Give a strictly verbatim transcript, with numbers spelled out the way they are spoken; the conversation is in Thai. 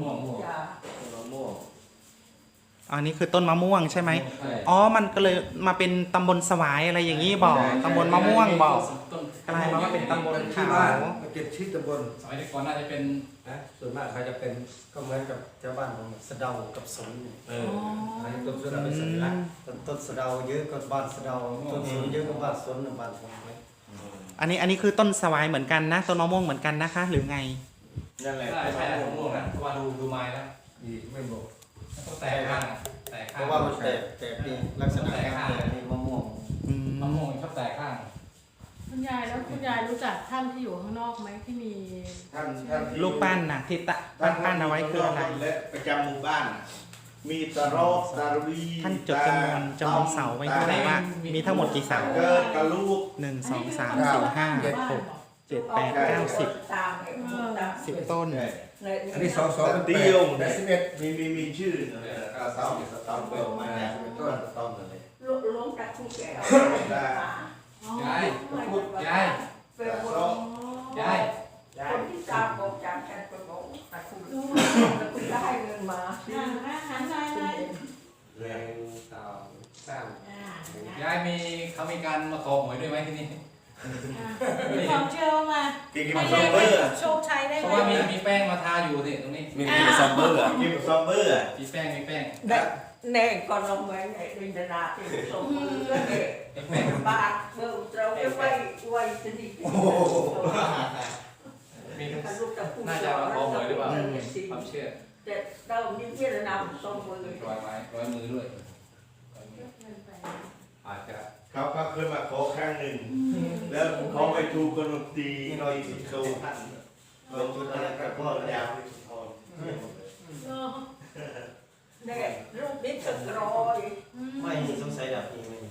ม่วงม่วงมะม่วงอันนี้คือต้นมะม่วงใช่ไหมอ๋อมันก็เลยมาเป็นตำบลสวายอะไรอย่างนี้บอกตำบลมะม่วงบอกกลายมาว่าเป็นตำบลที่ขาวบ้านมาเก็บชื่อตำบลสมัยก่อนน่าจะเป็นนะส่วนมากเขาจะเป็นก็เหมือนกับชาวบ้านของสะเดากับสนเอออันนี้ต้นสะเดาเป็นสัญลักษณ์ต้นต้นสะเดาเยอะก็บ้านสะเดาต้นสนเยอะก็บ้านสนบ้านผมไหมอันนี้อันนี้คือต้นสวายเหมือนกันนะต้นมะม่วงเหมือนกันนะคะ หรือไงนั่นแหละใช่ใช่ม่วงม่วงนะเพราะว่าดูดูไม้แล้วอีกไม่บอกต้องแตกข้างแตกเพข้างราะว่ามันแตกแตกนี่ลักษณะการแตกนี่มะม่วงอืมมะม่วงชอบแตกข้างคุณยายแล้วคุณยายรู้จักท่านที่อยู่ข้างนอกไหมที่มีท่านท่านลูกปั้นน่ะที่ตะปั้นปั้นเอาไว้คืออะไรและประจำหมู่บ้าน มีตะรอกตะรีท่านจดจำนวนจำนวนเสาไว้เท่าไหร่ว่ามีทั้งหมดกี่เสาเกิดกระลูกหนึ่งสองสามสี่ห้าหกเจ็ดแปดเก้าสิบสิบต้นอันนี้สองสองเดียวแปดสิบเอ็ดมีมีมีชื่อเก้าเสาสตอมเปิดมาเป็นต้นสตอมเลยลงจากผู้แก่ได้ยายยายเป็นคนยายคนที่ตามบอกจากฉันไปบอกแต่คุณแต่คุณได้เงินมาอ่าอาหารยายเลยแรงสองสามยายมีเขามีการมาขอหวยด้วยไหมที่นี่มีความเชื่อมากินกินให้ซอมเบได้อร์โชคชัยได้เพไหมราะว่ามีมีแป้งมาทาอยู่สิตรงนี้มีมีซัมเบอร์อ่ะกินซอมเบอร์มีแป้งมีแป้งได้แน่ก่อนลงไปในดินดาที่ส่งมือเนี่ยมีแป้งบาทเมื่อเราจะไปไว้สนิทมีลูกตะปูน่าจะมาขอหวยหรือเปล่าความเชื่อแต่เรานี่เพื่อนนำส่งมือร้อยไม้ร้อยมือด้วยอาจจะเขาก็เคยมาขอครั้งหนึ่ง แล้วเขาไปถูกคนตีหน่อยสิบโซท่านเราจุดอะไรกับพ่อยาวที่สุดทนเนี่ยลูกนี่ถึงร้อยไม่มีสงสัยแบบนี้ไม่มี